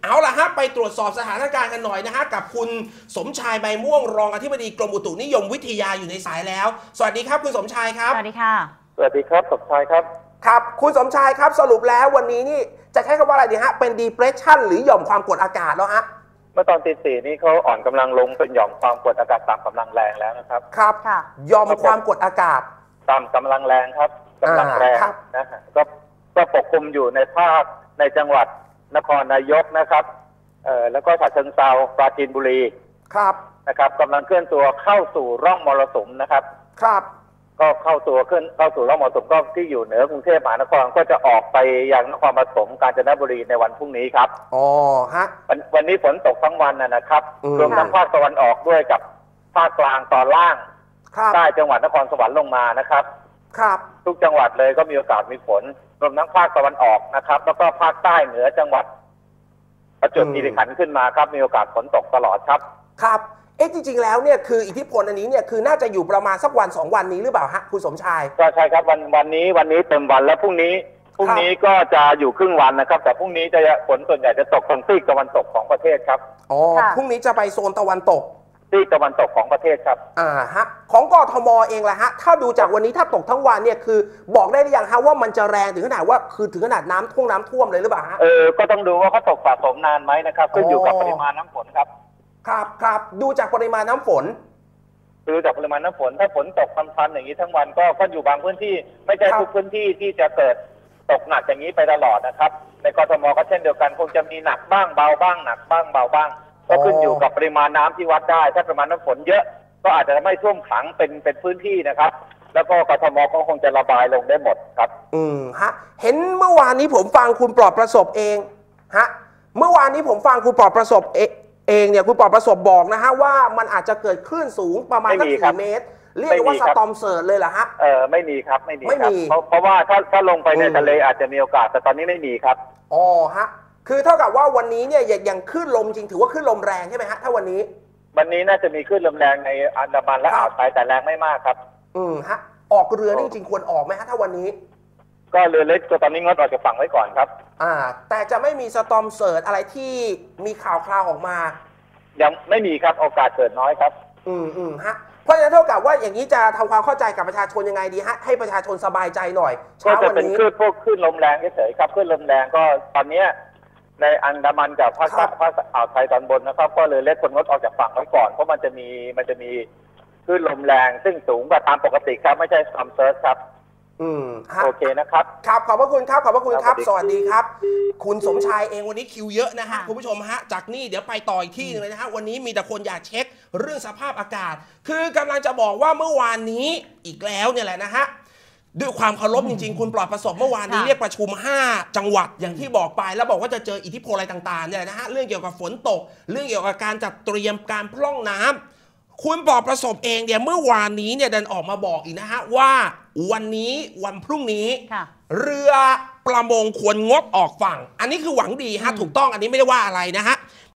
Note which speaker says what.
Speaker 1: เอาล่ะฮะไปตรวจสอบสถานการณ์กันหน่อยนะฮะกับคุณสมชายใบม่วงรองอธิบดีกรมอุตุนิยมวิทยาอยู่ในสายแล้วสวัสดีครับคุณสมชายครับ
Speaker 2: สวัสดีค่ะ
Speaker 3: สวัสดีครับสมชายครับ
Speaker 1: ครับคุณสมชายครับสรุปแล้ววันนี้นี่จะใช้คำว่าอะไรดีฮะเป็น depression หรือหย่อมความกดอากาศแล้วฮะ
Speaker 3: เมื่อตอนตี 4นี้เขาอ่อนกำลังลงเป็นหย่อมความกดอากาศต่ำกำลังแรงแล้วนะครับ
Speaker 1: ครับหย่อมความกดอากาศ
Speaker 3: ต่ำกำลังแรงครับกำลังแรงนะฮะก็ปกคลุมอยู่ในภาคในจังหวัดนครนายกนะครับแล้วก็ฉะเชิงเทราปราจีนบุรี
Speaker 1: ครับ
Speaker 3: นะครับกำลังเคลื่อนตัวเข้าสู่ร่องมรสุมนะครับ
Speaker 1: ครับ
Speaker 3: ก็เข้าสู่ร่องมรสุมก็ที่อยู่เหนือกรุงเทพมหานครก็จะออกไปยังนครปฐมกาญจนบุรีในวันพรุ่งนี้ครับ
Speaker 1: อ๋อฮะ
Speaker 3: วันนี้ฝนตกทั้งวันนะครับรวมทั้งภาคตะวันออกด้วยกับภาคกลางตอนล่างใต้จังหวัดนครสวรรค์ลงมานะครับ
Speaker 1: ครับ
Speaker 3: ทุกจังหวัดเลยก็มีโอกาสมีฝนรวมทั้งภาคตะวันออกนะครับแล้วก็ภาคใต้เหนือจังหวัดประจวบคีรีขันธ์ขึ้นมาครับมีโอกาสฝนตกตลอดครับ
Speaker 1: ครับจริงๆแล้วเนี่ยคืออิทธิพลอันนี้เนี่ยคือน่าจะอยู่ประมาณสักวัน2 วันนี้หรือเปล่าฮะคุณสมชาย
Speaker 3: ก็ใช่ครับวันนี้เต็มวันแล้วพรุ่งนี้ก็จะอยู่ครึ่งวันนะครับแต่พรุ่งนี้จะฝนส่วนใหญ่จะตกทางซีกตะวันตกของประเทศครับ
Speaker 1: อ๋อพรุ่งนี้จะไปโซนตะวันตก
Speaker 3: ซีกตะวันตกของประเทศครับ
Speaker 1: ฮะของกทมเองล่ะฮะถ้าดูจากวันนี้ถ้าตกทั้งวันเนี่ยคือบอกได้หรือยังฮะว่ามันจะแรงถึงขนาดว่าคือถึงขนาดน้ำท่วมเลยหรือเปล่าฮะ
Speaker 3: ก็ต้องดูว่าเขาตกสะสมนานไหมนะครับขึ้นอยู่กับปริมาณน้ำฝนครับ
Speaker 1: ครับดูจากปริมาณน้ำฝน
Speaker 3: ดูจากปริมาณน้ำฝนถ้าฝนตกพันๆอย่างนี้ทั้งวันก็อยู่บางพื้นที่ไม่ใช่ทุกพื้นที่ที่จะเกิดตกหนักอย่างนี้ไปตลอดนะครับในกทมก็เช่นเดียวกันคงจะมีหนักบ้างเบาบ้างหนักบ้างเบาบ้างก็ขึ้นอยู่กับปริมาณน้ำที่วัดได้ถ้าปริมาณน้ำฝนเยอะก็อาจจะไม่ท่วมขังเป็นพื้นที่นะครับแล้วก็กทมก็คงจะระบายลงได้หมดครับ
Speaker 1: ฮะเห็นเมื่อวานนี้ผมฟังคุณปลอดประสบเองฮะเมื่อวานนี้ผมฟังคุณปลอดประสบเองเนี่ยคุณปลอดประสบบอกนะฮะว่ามันอาจจะเกิดคลื่นสูงประมาณสัก4 เมตรเรียกว่าสตอมเสิร์ชเลยเหรอฮะ
Speaker 3: ไม่มีครับไม่มีเพราะว่าถ้าลงไปในทะเลอาจจะมีโอกาสแต่ตอนนี้ไม่มีครับ
Speaker 1: อ๋อฮะคือเท่ากับว่าวันนี้เนี่ยอย่างคลื่นลมจริงถือว่าคลื่นลมแรงใช่ไหมฮะถ้าวันนี้
Speaker 3: น่าจะมีคลื่นลมแรงในอันดามันและอ่าวไทยแต่แรงไม่มากครับ
Speaker 1: ฮะออกเรือนี่จริงควรออกไหมฮะถ้าวันนี้
Speaker 3: ก็เรือเล็กตอนนี้งดออกจากฝั่งไว้ก่อนครับ
Speaker 1: แต่จะไม่มีสตอมเสิร์ชอะไรที่มีข่าวคราวออกมา
Speaker 3: ยังไม่มีครับโอกาสเกิดน้อยครับ
Speaker 1: ฮะเพราะฉะนั้นเท่ากับว่าอย่างนี้จะทำความเข้าใจกับประชาชนยังไงดีฮะให้ประชาชนสบายใจหน่อย
Speaker 3: ก็จะเป็นคลื่นลมแรงเฉยๆครับคลื่นลมแรงก็ตอนนี้ในอันดามันกับภาคอ่าวไทยตอนบนนะครับก็เลยเล็กคนงดออกจากฝั่งไว้ก่อนเพราะมันจะมีคลื่นลมแรงซึ่งสูงกว่าตามปกติครับไม่ใช่ซัมเซิร์ชครับโอเคนะครับ
Speaker 1: ครับขอบพระคุณครับขอบพระคุณครับสวัสดีครับคุณสมชายเองวันนี้คิวเยอะนะฮะคุณผู้ชมฮะจากนี่เดี๋ยวไปต่ออีกที่นึงเลยนะฮะวันนี้มีแต่คนอยากเช็คเรื่องสภาพอากาศคือกำลังจะบอกว่าเมื่อวานนี้อีกแล้วเนี่ยแหละนะฮะด้วยความเคารพจริงๆคุณปลอดประสบเมื่อวานนี้เรียกประชุม5 จังหวัดอย่างที่บอกไปแล้วบอกว่าจะเจออิทธิพลอะไรต่างๆเนี่ยนะฮะเรื่องเกี่ยวกับฝนตกเรื่องเกี่ยวกับการจัดเตรียมการพร่องน้ำคุณปลอดประสบเองเนี่ยเมื่อวานนี้เนี่ยดันออกมาบอกอีกนะฮะว่าวันนี้วันพรุ่งนี้เรือประมงควรงดออกฝั่งอันนี้คือหวังดีฮะถูกต้องอันนี้ไม่ได้ว่าอะไรนะฮะ